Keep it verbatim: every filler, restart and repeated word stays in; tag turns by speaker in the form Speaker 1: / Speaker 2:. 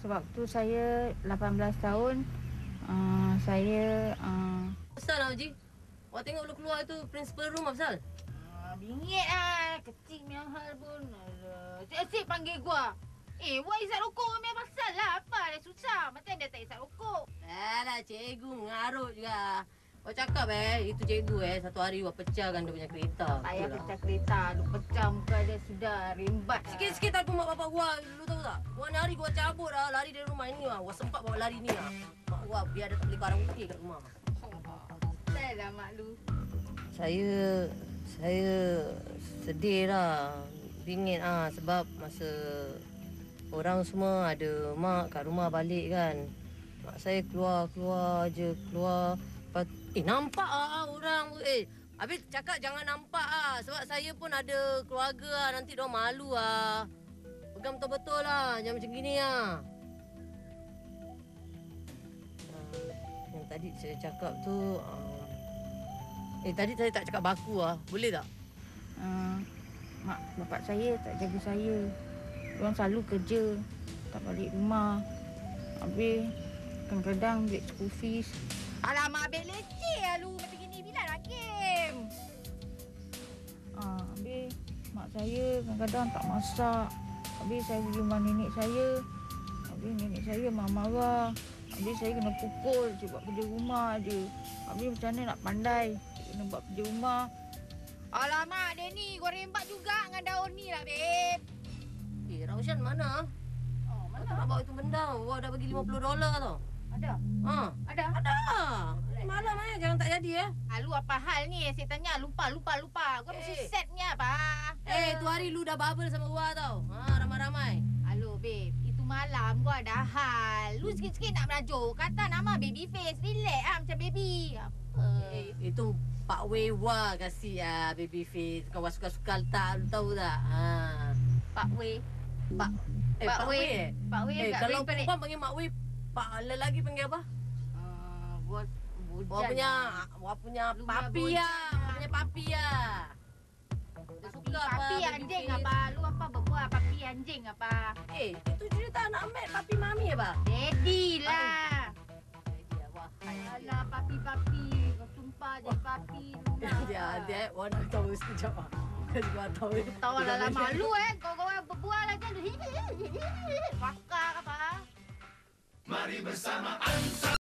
Speaker 1: Sewaktu saya lapan belas tahun, uh, saya... Uh...
Speaker 2: Asal lah, Haji? Awak tengok lu keluar itu principal room, Afzal?
Speaker 1: Uh, bingit lah. Kecil punya hal pun. Cik-cik panggil gua. Eh, buat isap rokok punya pasal lah. Apa dia susah? Macam dia tak isap rokok.
Speaker 2: Alah, cikgu mengarut juga. Awak cakap eh, itu cikgu eh, satu hari awak pecahkan dia punya kereta.
Speaker 1: Payah pecah kereta. Lu pecah muka dia sudah rimbat.
Speaker 2: Sikit-sikit telefon mak bapak gua, lu tahu tak? Gua hari gua cabut lah, lari dari rumah ini lah. Gua sempat bawa lari ni lah. Mak gua biar dia tak beli barang putih kat rumah.
Speaker 1: Saya lah mak lu.
Speaker 2: Saya, saya sedih lah. Bingit ah sebab masa orang semua ada mak kat rumah balik kan. Mak saya keluar-keluar je, keluar. Eh, nampak ah orang. Eh, habis cakap jangan nampak ah. Sebab saya pun ada keluarga ah. Nanti diorang malu ah. Pegang betul-betul lah. Jangan macam gini ah. Yang tadi saya cakap tu... Uh, eh, tadi saya tak cakap baku ah. Boleh tak?
Speaker 1: Uh, mak, bapak saya tak jaga saya. Diorang selalu kerja. Tak balik rumah. Habis, kadang-kadang duit school fees. Alamak, abang leceh lah lu. Macam gini bila nak game? Ah, habis mak saya kadang-kadang tak masak. Habis saya pergi rumah nenek saya. Habis nenek saya marah-marah. Habis saya kena pukul. Saya buat kerja rumah je. Habis macam mana nak pandai? Saya kena buat kerja rumah. Alamak, Denny. Kau rembat juga dengan daun ni lah, babe.
Speaker 2: Eh, Raushan mana?
Speaker 1: Oh, mana?
Speaker 2: Aku nak bawa itu benda. Wah, dah bagi lima puluh dolar tau.
Speaker 1: Ada?
Speaker 2: Ha?
Speaker 1: Ada?
Speaker 2: Ada. Malam eh, jangan tak jadi eh.
Speaker 1: Ah, lu apa hal ni? Saya tanya lupa, lupa, lupa. Kau mesti
Speaker 2: Eh.
Speaker 1: setnya apa?
Speaker 2: Eh, tu hari lu dah bubble sama gua tau. Ha, ramai-ramai.
Speaker 1: Halo, babe. Itu malam gua ada hal. Lu sikit-sikit nak merajuk. Kata nama baby face. Relax ah macam baby. Apa?
Speaker 2: Eh, itu Pak Wewa kasih ah baby face. Kau suka-suka letak, lu tahu tak? Ha.
Speaker 1: Pak Wei.
Speaker 2: Pak eh
Speaker 1: Pak
Speaker 2: Pak
Speaker 1: Wei.
Speaker 2: Wei. Eh,
Speaker 1: Pak Wei
Speaker 2: eh
Speaker 1: kat
Speaker 2: kalau
Speaker 1: Wei Perik.
Speaker 2: perempuan panggil Mak Wei, Pak lelaki panggil apa?
Speaker 1: Uh, buat
Speaker 2: Wah punya, wah punya papi ya, punya papi ya. Dia suka apa?
Speaker 1: Papi
Speaker 2: baby
Speaker 1: anjing
Speaker 2: face.
Speaker 1: apa? Lu apa berbuat papi anjing apa?
Speaker 2: Eh, itu cerita anak Mat, papi mami apa?
Speaker 1: Daddy lah.
Speaker 2: Dia wah.
Speaker 1: Alah papi-papi. Kau sumpah je papi.
Speaker 2: Dia dia warna tahu sekejap ah. Dia juga tahu.
Speaker 1: Tahu lah malu eh. Kau kau berbual aja lu. Pakar apa?
Speaker 3: Mari bersama Ansar.